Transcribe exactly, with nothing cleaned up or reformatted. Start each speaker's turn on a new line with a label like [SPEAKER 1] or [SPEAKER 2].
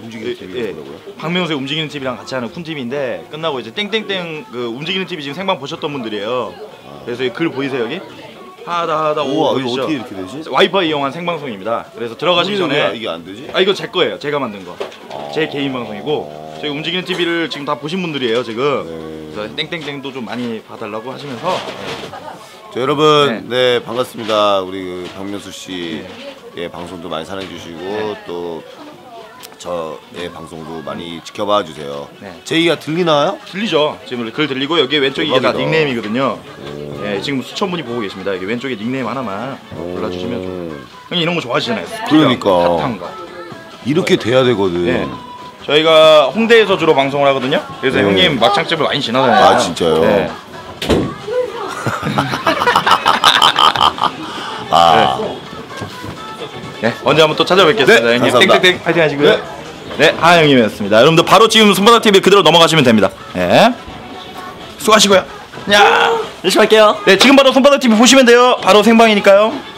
[SPEAKER 1] 움직이는 티비
[SPEAKER 2] 예,
[SPEAKER 1] 뭐라고요?
[SPEAKER 2] 박명수의 움직이는 티비랑 같이 하는 쿤티비인데 끝나고 이제 땡땡땡 그 움직이는 티비 지금 생방 보셨던 분들이에요. 아. 그래서 이 글 보이세요 여기? 하다 하다 오 보이시죠?
[SPEAKER 1] 어떻게 이렇게 되지?
[SPEAKER 2] 와이파이 이용한 생방송입니다. 그래서 들어가시기 전에
[SPEAKER 1] 이게 안 되지?
[SPEAKER 2] 아 이거 제 거예요. 제가 만든 거. 아. 제 개인 방송이고 저희 움직이는 티비를 지금 다 보신 분들이에요 지금. 네. 그래서 땡땡땡도 좀 많이 봐달라고 하시면서. 네.
[SPEAKER 1] 자, 여러분, 네, 네 반갑습니다. 우리 그 박명수 씨, 네. 예, 방송도 많이 사랑해 주시고 네. 또 저의 방송도 많이 지켜봐 주세요. 네. 제 얘기가 들리나요?
[SPEAKER 2] 들리죠. 지금 글 들리고 여기 왼쪽에 이게 다 닉네임이거든요. 예, 지금 수천 분이 보고 계십니다. 여기 왼쪽에 닉네임 하나만 골라주시면 좀. 형님 이런 거 좋아하시잖아요.
[SPEAKER 1] 그러니까
[SPEAKER 2] 핫한 거.
[SPEAKER 1] 이렇게 네. 돼야 되거든. 네.
[SPEAKER 2] 저희가 홍대에서 주로 방송을 하거든요. 그래서 네. 형님 막창집을 많이 지나다녀요.
[SPEAKER 1] 아 진짜요? 네.
[SPEAKER 2] 아. 네. 네, 언제 한번 또 찾아뵙겠습니다.
[SPEAKER 1] 네,
[SPEAKER 2] 형님
[SPEAKER 1] 감사합니다.
[SPEAKER 2] 땡땡땡 파이팅 하시고요. 네, 네 하영님이었습니다. 여러분들 바로 지금 손바닥 티비 그대로 넘어가시면 됩니다. 네, 수고하시고요. 야,
[SPEAKER 3] 열심히 할게요.
[SPEAKER 2] 네, 지금 바로 손바닥 티비 보시면 돼요. 바로 생방이니까요.